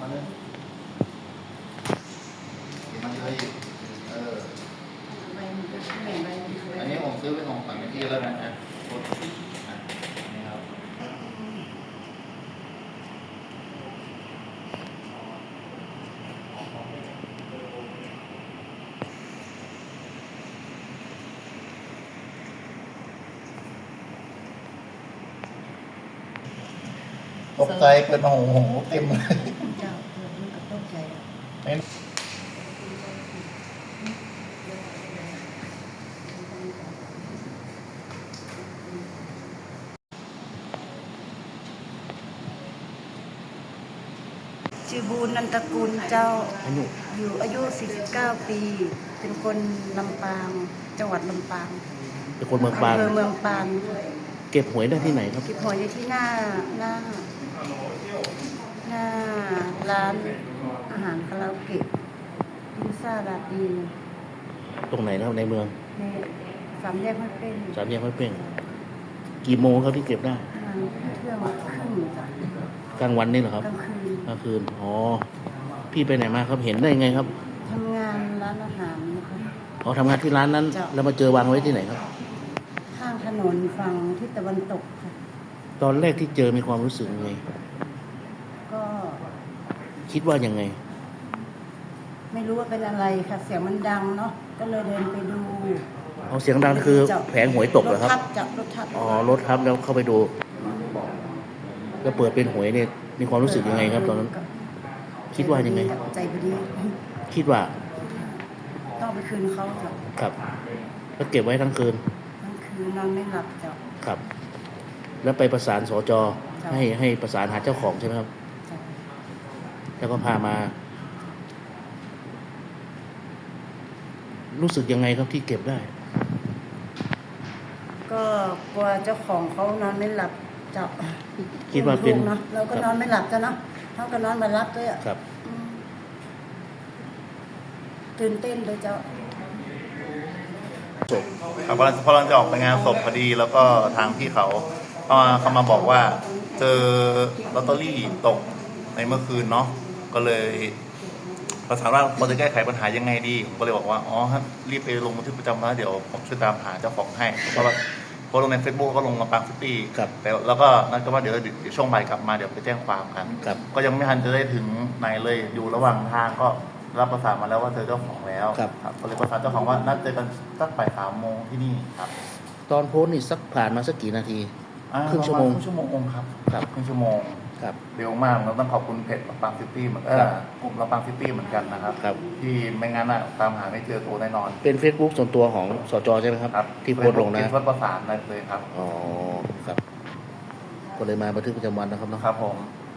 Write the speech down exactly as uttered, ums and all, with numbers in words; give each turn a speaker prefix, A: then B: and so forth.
A: นึงมันเลยเอออันนี้ผมซื้อเป็นของฝันที่แล้วนะฮะนี่ครับตกใจเปิดมาโอ้โหเต็มเลย
B: เจ้าเปิดมันก็ตกใจชื่อบูญนันตระกูลเจ้า
C: อายุ
B: อยู่อายุสี่สิบเก้าปี เป็นคนลำปางจังหวัดลำปาง
C: เป็นคนเมืองปาง
B: อำเภอเมืองปาง
C: เก็บหวยได้ที่ไหนครับ
B: เก็บหอยอยู่ที่หน้าหน้าหน้าร้านอาหารคาราโอเกะพิซซ่าลาตีน
C: ตรงไหนนะครับในเมือง
B: ในสามแยกห้วยเป้ง
C: สามแยกห้วยเป้งกี่โมงครับที่เก็บได้
B: ประมาณเที่ยงครึ่งจ้ะ
C: กลางวันนี่เหรอครับ
B: กลางคืน
C: กลางคืนอ๋อพี่ไปไหนมาครับเห็นได้ไงครับ
B: ทำงานร้านอาหารนะคะ
C: อ๋อทำงานที่ร้านนั้น
B: จ้ะ
C: แล้วมาเจอวางไว้ที่ไหนครับ
B: ข้างถนนฝั่งทิศตะวันตกค่ะ
C: ตอนแรกที่เจอมีความรู้สึกยังไง
B: ก็
C: คิดว่ายังไง
B: ไม่รู้ว่าเป็นอะไรค่ะ เสียงมันดังเนาะก็เลยเดินไปดู
C: เอาเสียงดังคือแผงหวยตกเหรอครับ
B: ถทับจับรถทับ
C: อ๋อรถทับแล้วเข้าไปดูแล้วเปิดเป็นหวยเนี่ยมีความรู้สึกยังไงครับตอนนั้น คิดว่ายังไง
B: ใจพอดี
C: คิดว่า
B: ต้องไปคืนเขาจ้ะ
C: ครับแล้วเก็บไว้ทั้งคืน
B: ทั้งคืนนอนไม่หลับจ้ะ
C: ครับ แล้วไปประสานสจ
B: จ้ะ
C: ให้ให้ประสานหาเจ้าของใช่ไหมครับ
B: จ้ะ
C: แล้วก็พามา รู้สึกยังไงครับที่เก็บได้
B: ก็กลัวเจ้าของเขานอนไม่หลับจ้ะ
C: คิดว่าเป็น
B: ลูกเนาะเราก็นอนไม่หลับจ้ะเนาะเขาก็นอนมารับด้วยอะ
C: ครับ
B: อืมตื่นเต้นเลยเจ้า
C: ศพ
A: ครับพอพอเราจะออกไปงานศพพอดีแล้วก็ทางพี่เขาเขามาเขามาบอกว่าเจอลอตเตอรี่ตกในเมื่อคืนเนาะก็เลยประสานว่าเราจะแก้ไขปัญหายังไงดีผมก็เลยบอกว่าอ๋อครับรีบไปลงบันทึกประจำวันเดี๋ยวผมช่วยตามหาเจ้าของให้เพราะว่าโพสต์ลงใน Facebook ก็ลงมาปางซิตี้
C: ครับ
A: แต่แล้วก็นัดกันว่าเดี๋ยวเดี๋ยวช่วงบ่ายกลับมาเดี๋ยวไปแจ้งความกัน
C: ครับ
A: ก็ยังไม่ทันจะได้ถึงไหนเลยอยู่ระหว่างทางก็รับประสานมาแล้วว่าเจอเจ้าของแล้ว
C: ครับ
A: ก็เลยประสานเจ้าของว่านัดเจอกันสักบ่ายสามโมงที่นี่ครับ
C: ตอนโพสต์นี่สักผ่านมาสักกี่นาที
A: อ่า
C: ครึ่งชั่วโมง
A: ประาณครึ่งชั่วโมงครับ
C: ครับ
A: ครึ่งชั่วโมง
C: ครับ
A: เร็วมากเราต้องขอบคุณเพจลำปางซิตี้เหมือน
C: ครับ
A: เออกลุ่มลำปางซิตี้เหมือนกันนะครับ
C: ครับ
A: ที่ไม่งั้นอะตามหาไม่เจอตัวแน่นอน
C: เป็น Facebook ส่วนตัวของสจใช่ไหมครับ
A: ครับ
C: ที่โพสต์ลงนะ
A: คิดว่าประสานได้เลยครับ
C: อ๋อครับ ก็เลยมาบันทึกประจำวันนะครับเนาะ
A: ครับผม
C: ค